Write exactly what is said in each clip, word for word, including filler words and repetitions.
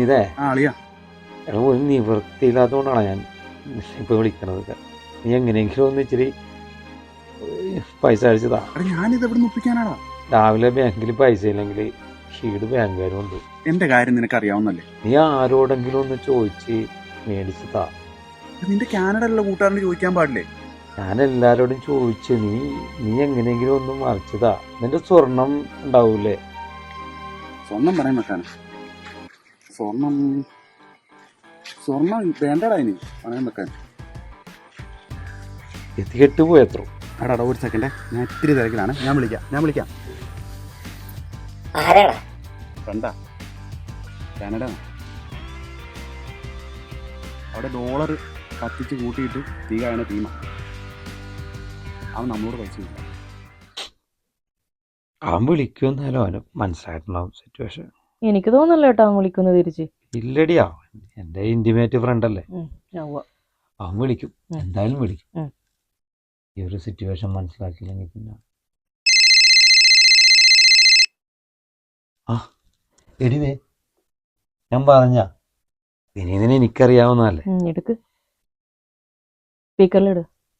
വിനീതേ എടാ ഒരു നിവൃത്തിയില്ലാത്തതുകൊണ്ടാണ് ഞാൻ ഇപ്പൊ വിളിക്കണത്. നീ എങ്ങനെയെങ്കിലും ഒന്ന് ഇച്ചിരി പൈസ അടിച്ചതാ. രാവിലെ ബാങ്കിൽ പൈസ ഇല്ലെങ്കിൽ ഷീഡ് ബാങ്കുകാരും ഉണ്ട്. എന്റെ കാര്യം നിനക്ക് അറിയാവുന്നല്ലേ. നീ ആരോടെങ്കിലും ഒന്ന് ചോദിച്ച് മേടിച്ചതാ. നിന്റെ കാനഡയിലുള്ള കൂട്ടുകാരന് ചോദിക്കാൻ പാടില്ലേ? ഞാൻ എല്ലാരോടും ചോദിച്ചു. നീ നീ എങ്ങനെയെങ്കിലും ഒന്ന് മറിച്ചതാ. നിന്റെ സ്വർണം ഉണ്ടാവൂലേ? സ്വർണം പറയാൻ വെക്കാനാ? സ്വർണം സ്വർണം വേണ്ടടാ ഇനി പറയാൻ വെക്കാൻ. എത്തിക്കെട്ട് പോയത്രോ. എടാ ഒരു സെക്കൻഡേ, ഞാൻ ഇത്തിരി തിരക്കിലാണ്. ഞാൻ വിളിക്കാം ഞാൻ വിളിക്കാം ഫ്രണ്ടാ, കാനഡ. അവിടെ ഡോളർ കത്തിച്ച് കൂട്ടിയിട്ട് തീ കായണ ടീമാ. അവൻ നമ്മളോട് പൈസ ഇല്ല. അവൻ വിളിക്കുമെന്നാലും അവന് മനസ്സിലായിട്ടുണ്ടാവും സിറ്റുവേഷൻ. എനിക്ക് തോന്നല്ലോ കേട്ടോ അവൻ വിളിക്കുന്നത് തിരിച്ച്. ഇല്ലടി, അവൻ എന്റെ ഇന്റിമേറ്റ് ഫ്രണ്ട് അല്ലേ. അവൻ വിളിക്കും, എന്തായാലും വിളിക്കും. ഈ ഒരു സിറ്റുവേഷൻ മനസ്സിലാക്കിയില്ലെങ്കിൽ പിന്നെ ആ എടിവേ ഞാൻ പറഞ്ഞ വിനീതിനെ എനിക്കറിയാവുന്നതല്ലേ. എടുക്ക് സ്പീക്കറിലിട്.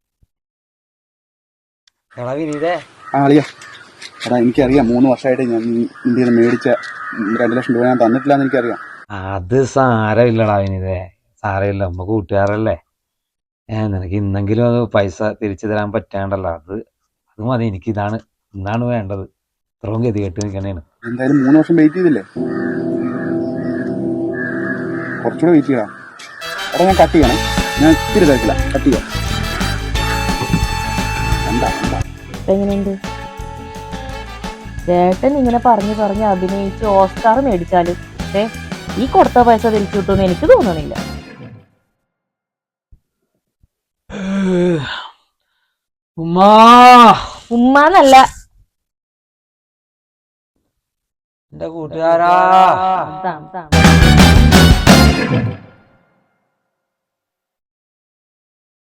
എടാ വിനീതേ. ആ അളിയാ, എടാ എനിക്കറിയാം. മൂന്ന് വർഷമായിട്ട് ഞാൻ ഇന്ത്യയിൽ നിന്ന് മേടിച്ച രണ്ട് ലക്ഷം രൂപ ഞാൻ തന്നിട്ടില്ല എന്ന് എനിക്കറിയാം. അത് സാരമില്ലടാ വിനീതേ, സാരമില്ല. നമ്മ കൂട്ടുകാരല്ലേ. ഏഹ് നിനക്ക് ഇന്നെങ്കിലും അത് പൈസ തിരിച്ചു തരാൻ പറ്റാണ്ടല്ലോ. അത് അത് മതി. എനിക്ക് ഇതാണ് ഇന്നാണ് വേണ്ടത്. ഇത്രയും ഗതി കെട്ടി നിൽക്കണേന്. എന്തായാലും മൂന്ന് വർഷം വെയിറ്റ് ചെയ്തില്ലേ, കുറച്ചുകൂടെ വെയിറ്റ് ചെയ്യണം. എടാ ഞാൻ കട്ട് ചെയ്യണം, ഞാൻ ഇത്തിരി തിരക്കില്ല. കട്ട് ചെയ്യാം. എന്താ എന്താ എങ്ങനെയുണ്ട് ചേട്ടൻ? ഇങ്ങനെ പറഞ്ഞു പറഞ്ഞ് അഭിനയിച്ച് ഓസ്കാർ മേടിച്ചാലും പക്ഷേ ഈ കൊടുത്ത പൈസ തിരിച്ചു കിട്ടുമെന്ന് എനിക്ക് തോന്നണില്ല. ഉമ്മാ ഉമ്മാന്നല്ല, എന്റെ കൂട്ടുകാരാ. താം താം